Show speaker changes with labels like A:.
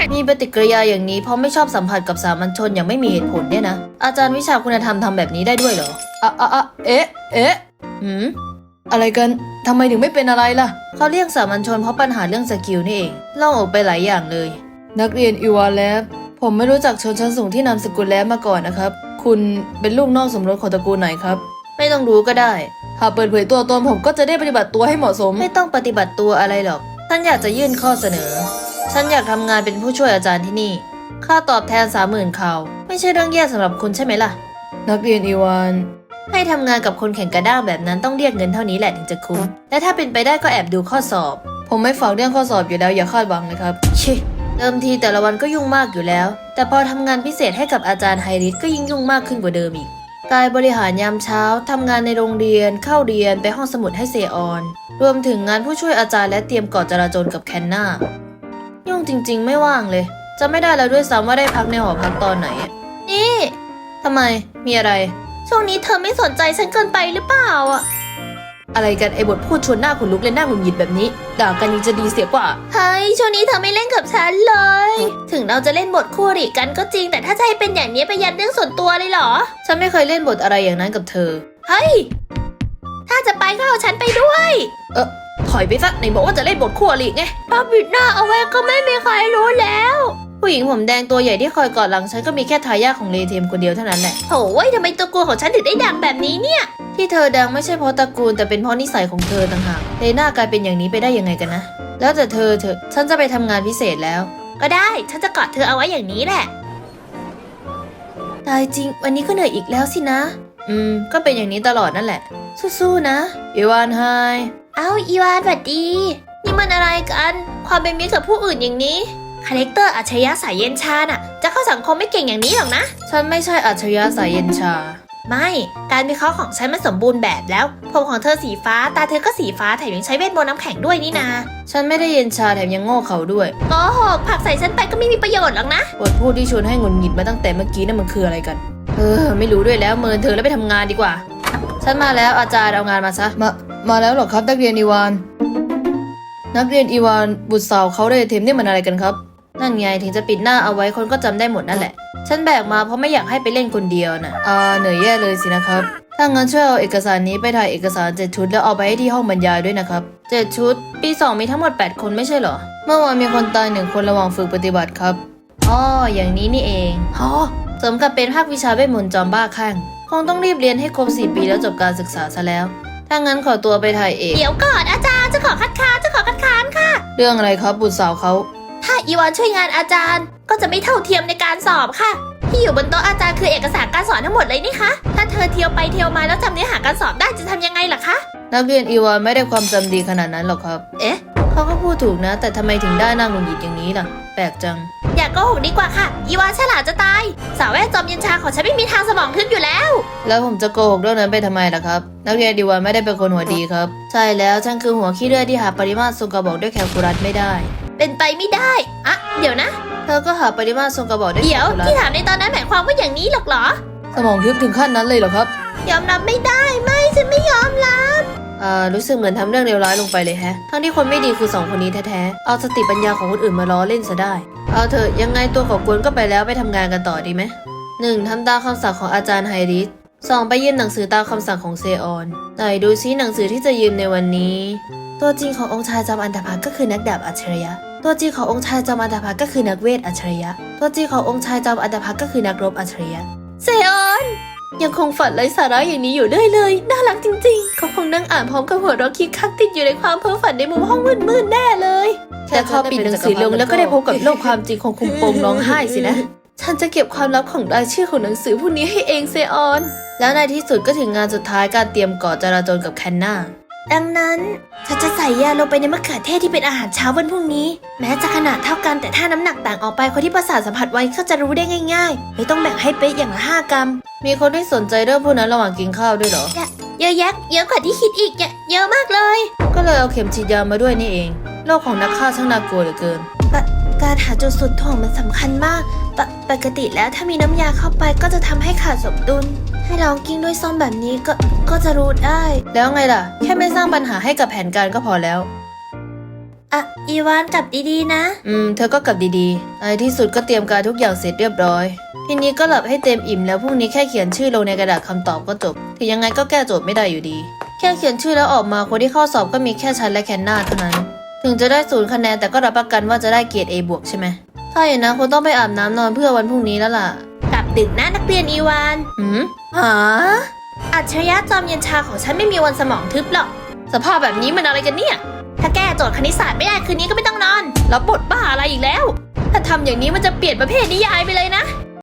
A: มีปฏิกิริยาอย่างนี้เพราะไม่ชอบสัมผัสกับสามัญชนอย่างไม่มีเหตุผลเนี่ยนะอาจารย์วิชาคุณธรรมทำแบบนี้ได้ด้วยเหรอเอ๊ะอะไรกันทำไมถึงไม่เป็นอะไรล่ะเขาเรียกสามัญชนเพราะปัญหาเรื่องสกิลนี่เองเล่าออกไปหลายอย่างเลยนักเรียนอีวานแลบผมไม่รู้จักชนชั้นสูงที่นามสกุลแลบมาก่อนนะครับคุณเป็นลูกนอกสมรสของตระกูลไหนครับไม่ต้องรู้ก็ได้หากเปิดเผยตัวตนผมก็จะได้ปฏิบัติตัวให้เหมาะสมไม่ต้องปฏิบัติตัวอะไรหรอกฉันอยากจะยื่นข้อเสนอฉันอยากทำงานเป็นผู้ช่วยอาจารย์ที่นี่ค่าตอบแทน 30,000 คาวไม่ใช่เรื่องแย่สำหรับคุณใช่ไหมล่ะนักเรียนอีวานให้ทำงานกับคนแข่งกระด้างแบบนั้นต้องเรียกเงินเท่านี้แหละถึงจะคุ้มและถ้าเป็นไปได้ก็แอบดูข้อสอบผมไม่ฝากเรื่องข้อสอบอยู่แล้วอย่าคาดหวังนะครับชิเดิมทีแต่ละวันก็ยุ่งมากอยู่แล้วแต่พอทำงานพิเศษให้กับอาจารย์ไฮริสก็ยิ่งยุ่งมากขึ้นกว่าเดิมอีกกายบริหารยามเช้าทำงานในโรงเรียนเข้าเรียนไปห้องสมุดให้เซออนรวมถึงงานผู้ช่วยอาจารย์และเตรียมกอดจราจรกับแคนนายุ่งจริงๆไม่ว่างเลยจะไม่ได้แล้วด้วยซ้ำว่าได้พักในหอพักตอนไหนนี่ทำไมมีอะไรช่วงนี้เธอไม่สนใจฉันเกินไปหรือเปล่าอะอะไรกันไอ้บทพูดชวนหน้าขนลุกและหน้าหงุดหงิดแบบนี้ด่ากันยังจะดีเสียกว่าเฮ้ยช่วงนี้เธอไม่เล่นกับฉันเลยถึงเราจะเล่นบทคู่อริกันก็จริงแต่ถ้าจะให้เป็นอย่างนี้ไปยัดเรื่องส่วนตัวเลยเหรอฉันไม่เคยเล่นบทอะไรอย่างนั้นกับเธอเฮ้ยถ้าจะไปก็เอาฉันไปด้วยถอยไปซะไหนบอกว่าจะเล่นบทคู่อริไงป้าปิดหน้าเอาไว้ก็ไม่มีใครรู้แล้วผู้หญิงผมแดงตัวใหญ่ที่คอยกอดหลังฉันก็มีแค่ทายาทของเลเทมคนเดียวเท่านั้นแหละโถ่ทำไมตระกูลของฉันถึงได้ดังแบบนี้เนี่ยที่เธอดังไม่ใช่เพราะตระกูลแต่เป็นเพราะนิสัยของเธอต่างหากเลน่ากลายเป็นอย่างนี้ไปได้ยังไงกันนะแล้วแต่เธอฉันจะไปทำงานพิเศษแล้วก็ได้ฉันจะกอดเธอเอาไว้อย่างนี้แหละตายจริงวันนี้ก็เหนื่อยอีกแล้วสินะก็เป็นอย่างนี้ตลอดนั่นแหละสู้ๆนะอีวานไฮอีวานสวัสดีนี่มันอะไรกันความเป็นมิตรกับผู้อื่นอย่างนี้คาแรคเตอร์อัจฉริยะสายเย็นชาน่ะจะเข้าสังคมไม่เก่งอย่างนี้หรอกนะฉันไม่ใช่อัจฉริยะสายเย็นชาไม่การวิเคราะห์ของฉันมันสมบูรณ์แบบแล้วผมของเธอสีฟ้าตาเธอก็สีฟ้าแถมยังใช้เวทมนต์น้ำแข็งด้วยนี่นาฉันไม่ได้เย็นชาแถมยังโง่เขาด้วยโกหกผลักใส่ฉันไปก็ไม่มีประโยชน์หรอกนะบทพูดที่ชวนให้หงุดหงิดมาตั้งแต่เมื่อกี้นั่นมันคืออะไรกันไม่รู้ด้วยแล้วเมินเธอแล้วไปทำงานดีกว่าฉันมาแล้วอาจารย์เอางานมาซะมาแล้วหรอครับนักเรียนอีวานนักเรียนอีวานบุตรสาวเขาได้เทมนี่มันอะไรกันครับนั่นไงถึงจะปิดหน้าเอาไว้คนก็จำได้หมดนั่นแหละฉันแบกมาเพราะไม่อยากให้ไปเล่นคนเดียวนะเหนื่อยแย่เลยสินะครับถ้างั้นช่วยเอาเอกสารนี้ไปถ่ายเอกสาร7 ชุดแล้วเอาไปให้ที่ห้องบรรยายด้วยนะครับ7 ชุดปี2มีทั้งหมด8 คนไม่ใช่เหรอเมื่อวานมีคนตาย1 คนระหว่างฝึกปฏิบัติครับอย่างนี้นี่เองสมกับเป็นภาควิชาเวทมนต์จอมบ้าคลั่งคงต้องรีบเรียนให้ครบ4 ปีแล้วจบการศึกษาซะแล้วถ้างั้นขอตัวไปถ่ายเอกเดี๋ยวก่อนอาจารย์จะขอคัดค้านค่ะเรื่องอะไรครับบุตรสาวเขาถ้าอีวานช่วยงานอาจารย์ก็จะไม่เท่าเทียมในการสอบค่ะที่อยู่บนโต๊ะอาจารย์คือเอกสารการสอนทั้งหมดเลยนี่คะถ้าเธอเที่ยวไปเที่ยวมาแล้วจำเนื้อหาการสอบได้จะทำยังไงล่ะคะนักเรียนอีวานไม่ได้ความจำดีขนาดนั้นหรอกครับเขาก็พูดถูกนะแต่ทำไมถึงได้หน้าหงุดหงิดอย่างนี้ล่ะแปลกจังอย่าโกหกดีกว่าค่ะอีวานฉลาดจะตายสาวแวดจอมเย็นชาของฉันไม่มีทางสมองทึบอยู่แล้วผมจะโกหกเรื่องนั้นไปทำไมล่ะครับนักเรียนอีวานไม่ได้เป็นคนหัวดีครับใช่แล้วฉันคือหัวขี้เลื่อยที่หาปริมาตรทรงกระบอกด้วยแคลคูลัสไม่ได้เป็นไปไม่ได้เดี๋ยวนะเธอก็หาปริมาตรทรงกระบอกได้เดี๋ยวที่ถามในตอนนั้นหมายความว่าอย่างนี้หรอกเหรอสมองทึบถึงขั้นนั้นเลยเหรอครับยอมรับไม่ได้ไม่ฉันไม่ยอมรับรู้สึกเหมือนทำเรื่องเลวร้ายลงไปเลยแฮะทั้งที่คนไม่ดีคือ2 คนนี้แท้ๆเอาสติปัญญาของคนอื่นมาล้อเล่นซะได้เอาเถอะยังไงตัวของกวนก็ไปแล้วไปทำงานกันต่อดีไหม1ทำตามคำสั่งของอาจารย์ไฮริส2ไปยืมหนังสือตามคำสั่งของเซออนไหนดูซิหนังสือที่จะยืมในวันนี้ตัวจริงขององค์ชายจอมอันธพาลก็คือนักดาบอัจฉริยะตัวจริงขององค์ชายจอมอันธพาลก็คือนักเวทอัจฉริยะตัวจริงขององค์ชายจอมอันธพาลก็คือนักรบอัจฉริยะเซออนยังคงฝันไร้สาระอย่างนี้อยู่เรื่อยเลยน่ารักจริงๆเขาคงนั่งอ่านพร้อมกับหัวเราะคิกคักติดอยู่ในความเพ้อฝันในมุมห้องมืดๆแน่เลยแต่พอปิดหนังสือลงแล้วก็ได้พบกับโลกความจริงของคุมโปงร้องไห้สินะฉันจะเก็บความลับของรายชื่อของหนังสือพวกนี้ให้เองเซออนแล้วในที่สุดก็ถึงงานสุดท้ายการเตรียมก่อจราจรกับแคนนาดังนั้นฉันจะใส่ยาลงไปในมะเขือเทศที่เป็นอาหารเช้าวันพรุ่งนี้แม้จะขนาดเท่ากันแต่ถ้าน้ำหนักต่างออกไปคนที่ประสาทสัมผัสไว้ก็จะรู้ได้ง่ายๆเลยต้องแบ่งให้เป๊ะอย่างละ5 กรัมมีคนที่สนใจเรื่องพวกนั้นระหว่างกินข้าวด้วยเหรอเยอะแยะเยอะกว่าที่คิดอีกเยอะมากเลยก็เลยเอาเข็มฉีดยามาด้วยนี่เองโลกของนักฆ่าช่างน่ากลัวเหลือเกินการหาจุดสุดถ่วงมันสำคัญมากปกติแล้วถ้ามีน้ำยาเข้าไปก็จะทำให้ขาดสมดุลให้ลองกิ้งด้วยซ่อมแบบนี้ก็จะรู้ได้แล้วไงล่ะแค่ไม่สร้างปัญหาให้กับแผนการก็พอแล้วอีวานกลับดีๆนะเธอก็กลับดีๆในที่สุดก็เตรียมการทุกอย่างเสร็จเรียบร้อยทีนี้ก็หลับให้เต็มอิ่มแล้วพรุ่งนี้แค่เขียนชื่อลงในกระดาษคำตอบก็จบถึงยังไงก็แก้โจทย์ไม่ได้อยู่ดีแค่เขียนชื่อแล้วออกมาคนที่เข้าสอบก็มีแค่ฉันและแคนนาเท่านั้นถึงจะได้0 คะแนนแต่ก็รับประกันว่าจะได้เกรด A บวกใช่ไหมถ้าอย่างนั้นคงต้องไปอาบน้ำนอนเพื่อวันพรุ่งนี้แล้วล่ะกลับดึกนะนักเรียนอีวานหาอัจฉริยะจอมเย็นชาของฉันไม่มีวันสมองทึบหรอกสภาพแบบนี้มันอะไรกันเนี่ยถ้าแก้โจทย์คณิตศาสตร์ไม่ได้คืนนี้ก็ไม่ต้องนอนแล้วบทบ้าอะไรอีกแล้วถ้าทำอย่างนี้มันจะเปลี่ยนประเภทนิยายไปเลยนะ